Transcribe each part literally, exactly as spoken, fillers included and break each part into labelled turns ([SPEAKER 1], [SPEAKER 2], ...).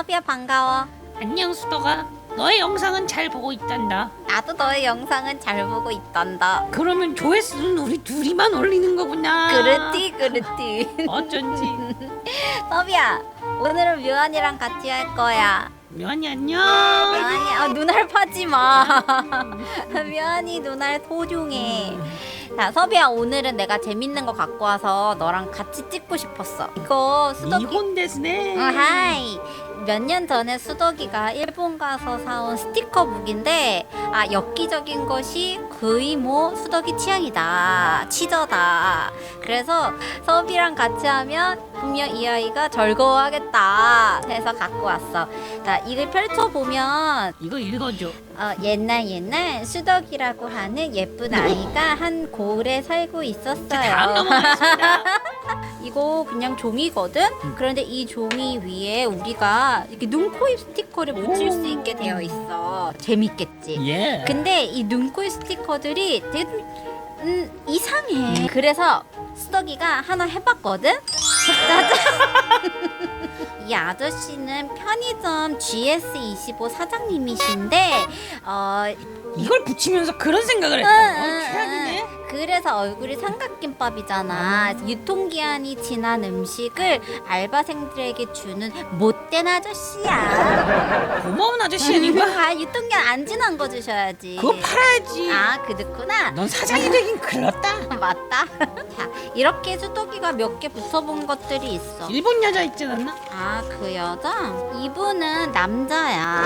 [SPEAKER 1] 서비야 반가워.
[SPEAKER 2] 안녕 수덕아. 너의 영상은 잘 보고 있단다.
[SPEAKER 1] 나도 너의 영상은 잘 보고 있단다.
[SPEAKER 2] 그러면 조회수는 우리 둘이만 올리는 거구나.
[SPEAKER 1] 그렇지 그렇지.
[SPEAKER 2] 어쩐지.
[SPEAKER 1] 서비야 오늘은 묘한이랑 같이 할 거야.
[SPEAKER 2] 묘한이 안녕.
[SPEAKER 1] 묘한이 아, 눈알 파지 마. 묘한이 눈알 소중해. 자 서비야 오늘은 내가 재밌는 거 갖고 와서 너랑 같이 찍고 싶었어. 이거 수덕이
[SPEAKER 2] 이혼 데스네.
[SPEAKER 1] 어, 하이. 몇 년 전에 수덕이가 일본 가서 사온 스티커 북인데 아 엽기적인 것이 거의 뭐 수덕이 취향이다, 치저다. 그래서 서비랑 같이 하면 분명 이 아이가 즐거워하겠다 해서 갖고 왔어. 자 이걸 펼쳐보면
[SPEAKER 2] 이거 읽어줘.
[SPEAKER 1] 어, 옛날 옛날 수덕이라고 하는 예쁜 아이가 한 고을에 살고 있었어요.
[SPEAKER 2] 다음 넘어가겠습니다.
[SPEAKER 1] 이거 그냥 종이거든? 그런데 이 종이 위에 우리가 이렇게 눈, 코, 입 스티커를 붙일 수 있게 되어 있어. 재밌겠지?
[SPEAKER 2] 예.
[SPEAKER 1] 근데 이 눈, 코, 입 스티커들이 되게 음, 이상해. 그래서 수덕이가 하나 해봤거든? 짜잔! 이 아저씨는 편의점 지에스 이십오 사장님이신데 어,
[SPEAKER 2] 이걸 붙이면서 그런 생각을 했다.
[SPEAKER 1] 응,
[SPEAKER 2] 어,
[SPEAKER 1] 응,
[SPEAKER 2] 최악이네.
[SPEAKER 1] 그래서 얼굴이 삼각김밥이잖아. 유통기한이 지난 음식을 알바생들에게 주는 못된 아저씨야.
[SPEAKER 2] 고마운 아저씨 아닌가?
[SPEAKER 1] 아, 유통기한 안 지난 거 주셔야지.
[SPEAKER 2] 그거 팔아야지.
[SPEAKER 1] 아, 그렇구나.
[SPEAKER 2] 넌 사장이 되긴 글렀다.
[SPEAKER 1] 맞다. 자, 이렇게 수도기가 몇 개 붙어본 것들이 있어.
[SPEAKER 2] 일본 여자 있지 않나?
[SPEAKER 1] 아, 그 여자? 이분은 남자야.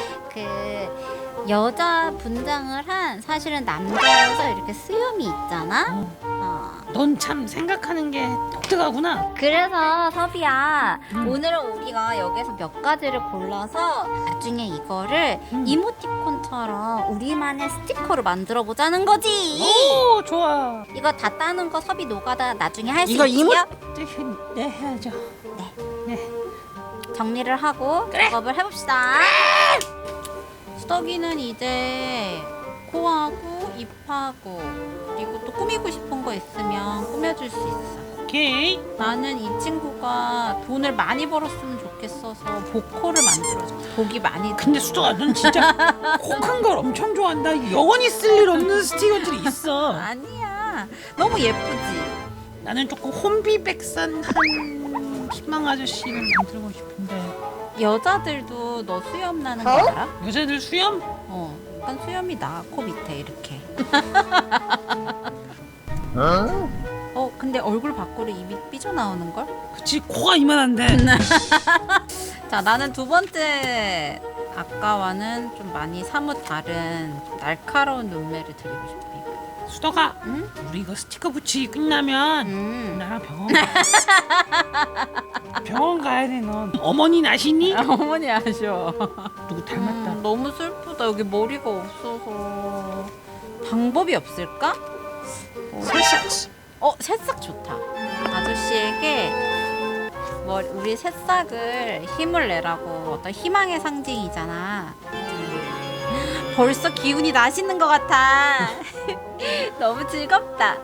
[SPEAKER 1] 그 여자 분장을 한 사실은 남자여서 이렇게 수염이 있잖아. 어.
[SPEAKER 2] 넌 참 생각하는 게 독특하구나.
[SPEAKER 1] 그래서 섭이야
[SPEAKER 2] 음.
[SPEAKER 1] 오늘은 우리가 여기서 몇 가지를 골라서 나중에 이거를
[SPEAKER 2] 음.
[SPEAKER 1] 이모티콘처럼 우리만의 스티커를 만들어 보자는 거지.
[SPEAKER 2] 오 좋아.
[SPEAKER 1] 이거 다 따는 거 섭이 노가다 나중에 할 수
[SPEAKER 2] 이거
[SPEAKER 1] 있지요?
[SPEAKER 2] 이모 네 해야죠. 네.
[SPEAKER 1] 정리를 하고
[SPEAKER 2] 그래.
[SPEAKER 1] 작업을 해봅시다. 수덕이는 이제 코하고 입하고 그리고 또 꾸미고 싶은 거 있으면 꾸며줄 수 있어.
[SPEAKER 2] 오케이.
[SPEAKER 1] 나는 이 친구가 돈을 많이 벌었으면 좋겠어서 복코를 만들어줘. 복이 많이.
[SPEAKER 2] 근데 수덕아 넌 진짜 혹한 걸 엄청 좋아한다. 영원히 쓸 일 없는 스티커들이 있어.
[SPEAKER 1] 아니야. 너무 예쁘지.
[SPEAKER 2] 나는 조금 혼비백산한 희망 아저씨를 만들고 싶은데.
[SPEAKER 1] 여자들도 너 수염 나는 거 알아?
[SPEAKER 2] 여자들 수염?
[SPEAKER 1] 어. 약간 수염이 나. 코 밑에 이렇게. 어 근데 얼굴 밖으로 입이 삐져나오는 걸?
[SPEAKER 2] 그치 코가 이만한데.
[SPEAKER 1] 자 나는 두 번째 아까와는 좀 많이 사뭇 다른 날카로운 눈매를 드리고 싶어.
[SPEAKER 2] 수덕아
[SPEAKER 1] 응?
[SPEAKER 2] 우리 이거 스티커 붙이기 끝나면
[SPEAKER 1] 음.
[SPEAKER 2] 나랑 병원 가. 병원 가야 돼 넌. 어머니 나시니?
[SPEAKER 1] 어머니 아셔.
[SPEAKER 2] 누구 닮았다.
[SPEAKER 1] 음, 너무 슬프다. 여기 머리가 없어서 방법이 없을까?
[SPEAKER 2] 새싹.
[SPEAKER 1] 어 새싹 좋다. 아저씨에게 머리, 우리 새싹을 힘을 내라고 어떤 희망의 상징이잖아. 벌써 기운이 나시는 것 같아. 너무 즐겁다.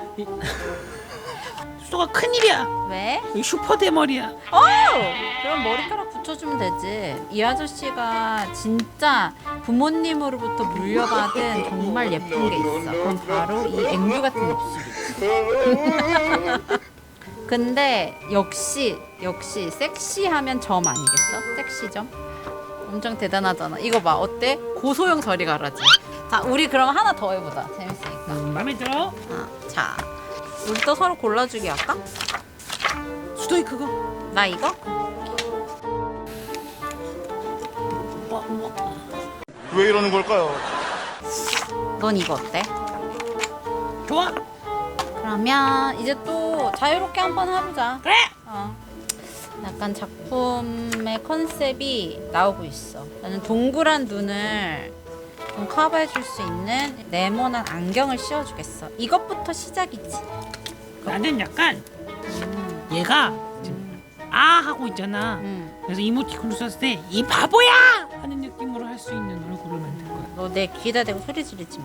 [SPEAKER 2] 수덕아 큰일이야.
[SPEAKER 1] 왜?
[SPEAKER 2] 여기 슈퍼 대머리야.
[SPEAKER 1] 어! 그럼 머리카락 붙여주면 되지. 이 아저씨가 진짜 부모님으로부터 물려받은 정말 예쁜 게 있어. 그건 바로 이 앵두 같은 입술이지. 근데 역시 역시 섹시하면 점 아니겠어? 섹시점? 엄청 대단하잖아. 이거 봐 어때? 고소영 저리 가라지. 자 우리 그럼 하나 더 해보자. 재밌으니까.
[SPEAKER 2] 음, 마음에 들어?
[SPEAKER 1] 아, 자 우리 또 서로 골라주기 할까?
[SPEAKER 2] 수덕이 그거.
[SPEAKER 1] 나 이거?
[SPEAKER 2] 뭐, 뭐.
[SPEAKER 3] 왜 이러는 걸까요?
[SPEAKER 1] 넌 이거 어때?
[SPEAKER 2] 좋아.
[SPEAKER 1] 그러면 이제 또 자유롭게 한번 해보자.
[SPEAKER 2] 그래.
[SPEAKER 1] 어. 약간 작품의 컨셉이 나오고 있어. 나는 동그란 눈을 좀 커버해줄 수 있는 네모난 안경을 씌워주겠어. 이것부터 시작이지.
[SPEAKER 2] 나는 약간
[SPEAKER 1] 음,
[SPEAKER 2] 얘가
[SPEAKER 1] 음,
[SPEAKER 2] 아 하고 있잖아.
[SPEAKER 1] 음.
[SPEAKER 2] 그래서 이모티콘을 썼을 때 이 바보야 하는 느낌으로 할 수 있는 얼굴을 만들 거야.
[SPEAKER 1] 너 내 귀에다 대고 소리 지르지 마.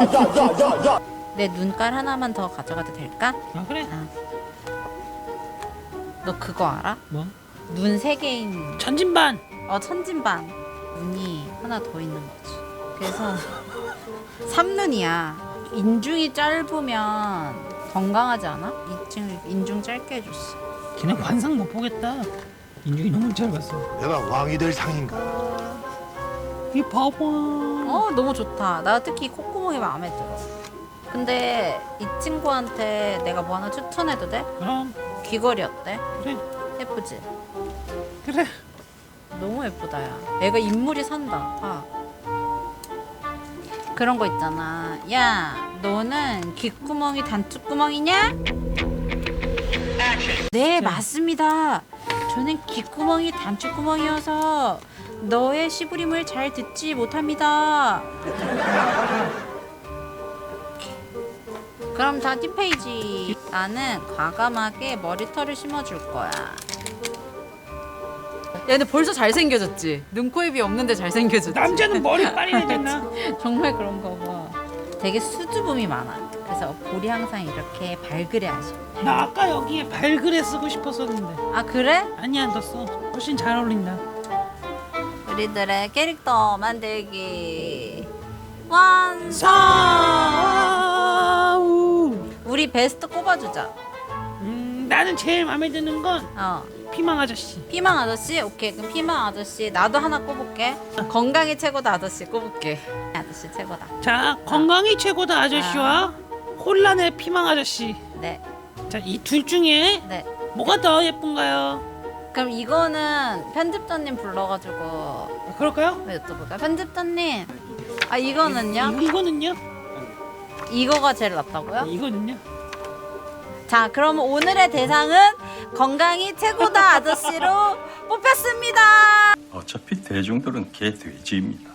[SPEAKER 1] 내 눈깔 하나만 더 가져가도 될까?
[SPEAKER 2] 아 그래?
[SPEAKER 1] 너 그거 알아?
[SPEAKER 2] 뭐?
[SPEAKER 1] 눈 세 개인
[SPEAKER 2] 전진반.
[SPEAKER 1] 어 천진반 눈이 하나 더 있는 거지. 그래서 삼눈이야. 인중이 짧으면 건강하지 않아? 인중 인중 짧게 해줬어.
[SPEAKER 2] 걔네 관상 못 보겠다. 인중이 너무 짧았어.
[SPEAKER 3] 내가 왕이 될 상인가?
[SPEAKER 2] 이 봐봐.
[SPEAKER 1] 어 너무 좋다. 나 특히 콧구멍이 마음에 들어. 근데 이 친구한테 내가 뭐 하나 추천해도 돼?
[SPEAKER 2] 그럼
[SPEAKER 1] 귀걸이 어때?
[SPEAKER 2] 그래
[SPEAKER 1] 예쁘지?
[SPEAKER 2] 그래.
[SPEAKER 1] 너무 예쁘다 야. 애가 인물이 산다. 봐. 그런 거 있잖아. 야 너는 귓구멍이 단추구멍이냐? 네 맞습니다. 저는 귓구멍이 단추구멍이어서 너의 시부림을 잘 듣지 못합니다. 그럼 자 뒷페이지. 나는 과감하게 머리털을 심어줄 거야. 야 근데 벌써 잘생겨졌지? 눈, 코, 입이 없는데 잘생겨졌지?
[SPEAKER 2] 남자는 머리 빨리 해야 되나?
[SPEAKER 1] 정말 그런가 봐. 되게 수줍음이 많아. 그래서 볼이 항상 이렇게 발그레하셔.
[SPEAKER 2] 나 아까 여기에 발그레 쓰고 싶었었는데.
[SPEAKER 1] 아 그래?
[SPEAKER 2] 아니야 너 써. 훨씬 잘 어울린다.
[SPEAKER 1] 우리들의 캐릭터 만들기 완성!
[SPEAKER 2] 아우.
[SPEAKER 1] 우리 베스트 꼽아주자.
[SPEAKER 2] 음 나는 제일 마음에 드는 건
[SPEAKER 1] 어.
[SPEAKER 2] 피망 아저씨.
[SPEAKER 1] 피망 아저씨? 오케이 그럼 피망 아저씨 나도 하나 꼽을게. 건강이 최고다 아저씨 꼽을게. 아저씨 최고다.
[SPEAKER 2] 자 건강이 최고다 아저씨와 혼란의 피망 아저씨.
[SPEAKER 1] 네.
[SPEAKER 2] 자 이 둘 중에
[SPEAKER 1] 네.
[SPEAKER 2] 뭐가 더 예쁜가요?
[SPEAKER 1] 그럼 이거는 편집자님 불러가지고
[SPEAKER 2] 아, 그럴까요?
[SPEAKER 1] 여쭤볼까요? 편집자님. 아 이거는요?
[SPEAKER 2] 이, 이거는요?
[SPEAKER 1] 이거가 제일 낫다고요?
[SPEAKER 2] 이거는요?
[SPEAKER 1] 자, 그럼 오늘의 대상은 건강이 최고다 아저씨로 뽑혔습니다.
[SPEAKER 4] 어차피 대중들은 개 돼지입니다.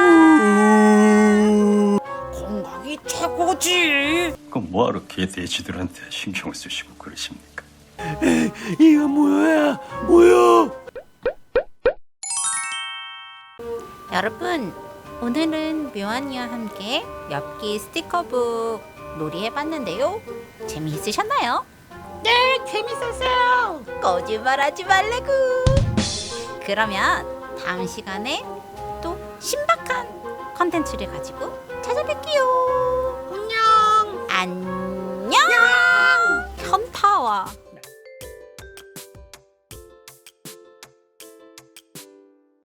[SPEAKER 2] 건강이 최고지.
[SPEAKER 4] 그럼 뭐하러 개 돼지들한테 신경을 쓰시고 그러십니까?
[SPEAKER 2] 이거 뭐야? 뭐야?
[SPEAKER 1] 여러분, 오늘은 묘한이와 함께 엽기 스티커북 놀이해봤는데요. 재미있으셨나요?
[SPEAKER 2] 네, 재밌었어요.
[SPEAKER 1] 거짓말하지 말래구. 그러면 다음 시간에 또 신박한 컨텐츠를 가지고 찾아뵐게요.